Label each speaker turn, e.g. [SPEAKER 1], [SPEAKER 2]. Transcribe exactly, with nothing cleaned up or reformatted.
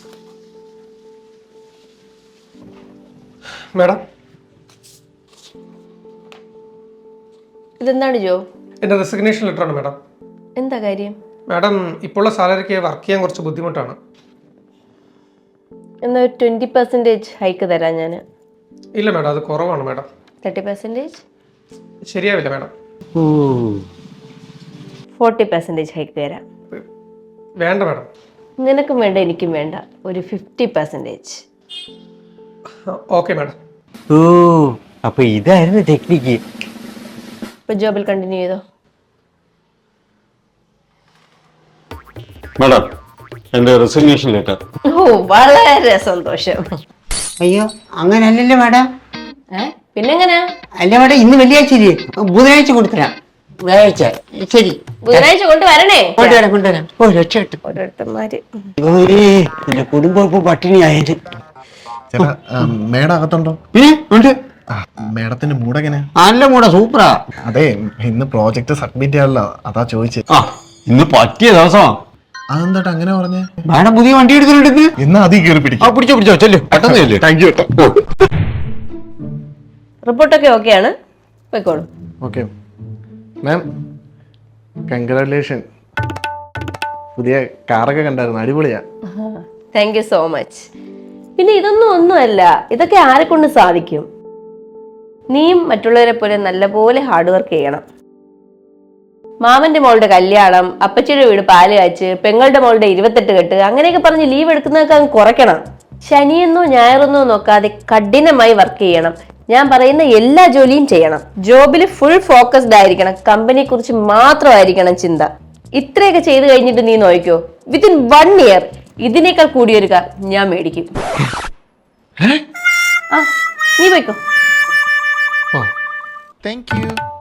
[SPEAKER 1] Madam
[SPEAKER 2] ഇതെന്താണ് ജോ?
[SPEAKER 1] എൻ്റെ resignation ലെറ്ററാണ് madam.
[SPEAKER 2] എന്താ കാര്യം?
[SPEAKER 1] മാഡം ഇപ്പോഴുള്ള സാലറിക്ക് വർക്ക് ചെയ്യാൻ കുറച്ച് ബുദ്ധിമുട്ടാണ്.
[SPEAKER 2] എന്നാൽ ഒരു ട്വൻറ്റി പെർസെൻറ്റേജ് ഹൈക്ക് തരാം ഞാൻ.
[SPEAKER 1] ഇല്ല മാഡം, അത് കുറവാണ് മാഡം.
[SPEAKER 2] തേർട്ടി പെർസെൻറ്റേജ്
[SPEAKER 1] ശരിയാവില്ല മാഡം.
[SPEAKER 2] ഫോർട്ടി പെർസെൻറ്റേജ് ഹൈക്ക് തരാം.
[SPEAKER 1] വേണ്ട മാഡം.
[SPEAKER 2] നിനക്കും വേണ്ട എനിക്കും വേണ്ട, ഒരു ഫിഫ്റ്റി പെർസെൻറ്റേജ്.
[SPEAKER 1] Okay madam.
[SPEAKER 3] ഓ അപ്പൊ ഇതായിരുന്നു ടെക്നിക്ക്.
[SPEAKER 2] ഇപ്പൊ ജോബിൽ കണ്ടിന്യൂ ചെയ്തോ.
[SPEAKER 4] മാഡം എൻ്റെ റെസിഗ്നേഷൻ ലെറ്റർ.
[SPEAKER 2] ഓ വളരെ സന്തോഷം.
[SPEAKER 3] അയ്യോ അങ്ങനല്ലല്ലോ മാഡം.
[SPEAKER 2] പിന്നെങ്ങനെയാ?
[SPEAKER 3] അല്ല മാഡം, ഇന്ന് വെള്ളിയാഴ്ച ഇല്ലേ, ബുധനാഴ്ച കൊടുത്തരാം. വ്യാഴാഴ്ച ശരി,
[SPEAKER 2] ബുധനാഴ്ച കൊണ്ടുവരണേ.
[SPEAKER 3] കൊണ്ടുവരാം കൊണ്ടുവരാം. ഓ രക്ഷപ്പെട്ടു.
[SPEAKER 2] ഓരോരുത്തന്മാര്
[SPEAKER 3] എന്റെ കുടുംബം ഇപ്പൊ പട്ടിണിയായത്.
[SPEAKER 5] ചേട്ടാ മേഡം അകത്തുണ്ടോ?
[SPEAKER 3] ഉണ്ട്.
[SPEAKER 5] മേഡത്തിന്റെ മൂടെങ്ങനെ?
[SPEAKER 3] നല്ല മൂട, സൂപ്പറാ.
[SPEAKER 5] അതെ, ഇന്ന് പ്രോജക്റ്റ് സബ്മിറ്റ് ചെയ്യാനല്ലോ, അതാ ചോദിച്ചത്.
[SPEAKER 4] ആ ഇന്ന് പറ്റിയ ദിവസമാണ്.
[SPEAKER 5] അതെന്താ അങ്ങനെ പറഞ്ഞേ?
[SPEAKER 3] മാഡം പുതിയ വണ്ടി എടുത്തിട്ടുണ്ട്.
[SPEAKER 5] ഇന്ന് അതി കയറി
[SPEAKER 3] ആ
[SPEAKER 5] പിടിക്കും.
[SPEAKER 3] പിടിച്ചോ പിടിച്ചോ, ചെല്ലു പെട്ടെന്ന് ചെല്ലു.
[SPEAKER 5] Thank you.
[SPEAKER 2] റിപ്പോർട്ടൊക്കെ ഓക്കെയാണ്, പോയിക്കോളൂ.
[SPEAKER 5] Okay ma'am, congratulation. പുതിയ കാറൊക്കെ കണ്ടായിരുന്നു, അടിപൊളിയാ.
[SPEAKER 2] Thank you so much. പിന്നെ ഇതൊന്നും ഒന്നുമല്ല, ഇതൊക്കെ ആരെ കൊണ്ട് സാധിക്കും? നീയും മറ്റുള്ളവരെ പോലെ നല്ലപോലെ ഹാർഡ് വർക്ക് ചെയ്യണം. മാമന്റെ മോളുടെ കല്യാണം, അപ്പച്ചിയുടെ വീട് പാല് കാച്ച്, പെങ്ങളുടെ മോളുടെ ഇരുപത്തെട്ട് കെട്ട്, അങ്ങനെയൊക്കെ പറഞ്ഞ് ലീവ് എടുക്കുന്നതൊക്കെ അങ്ങ് കുറയ്ക്കണം. ശനിയെന്നോ ഞായറെന്നോ നോക്കാതെ കഠിനമായി വർക്ക് ചെയ്യണം. ഞാൻ പറയുന്ന എല്ലാ ജോലിയും ചെയ്യണം. ജോബിൽ ഫുൾ ഫോക്കസ്ഡ് ആയിരിക്കണം. കമ്പനിയെ കുറിച്ച് മാത്രമായിരിക്കണം ചിന്ത. ഇത്രയൊക്കെ ചെയ്ത് കഴിഞ്ഞിട്ട് നീ നോക്കിക്കോ, വിത്തിൻ വൺ ഇയർ ഇതിനേക്കാൾ കൂടിയൊരു കാർ ഞാൻ മേടിക്കും. ആ നീ പോയിക്കോ.
[SPEAKER 5] Thank U.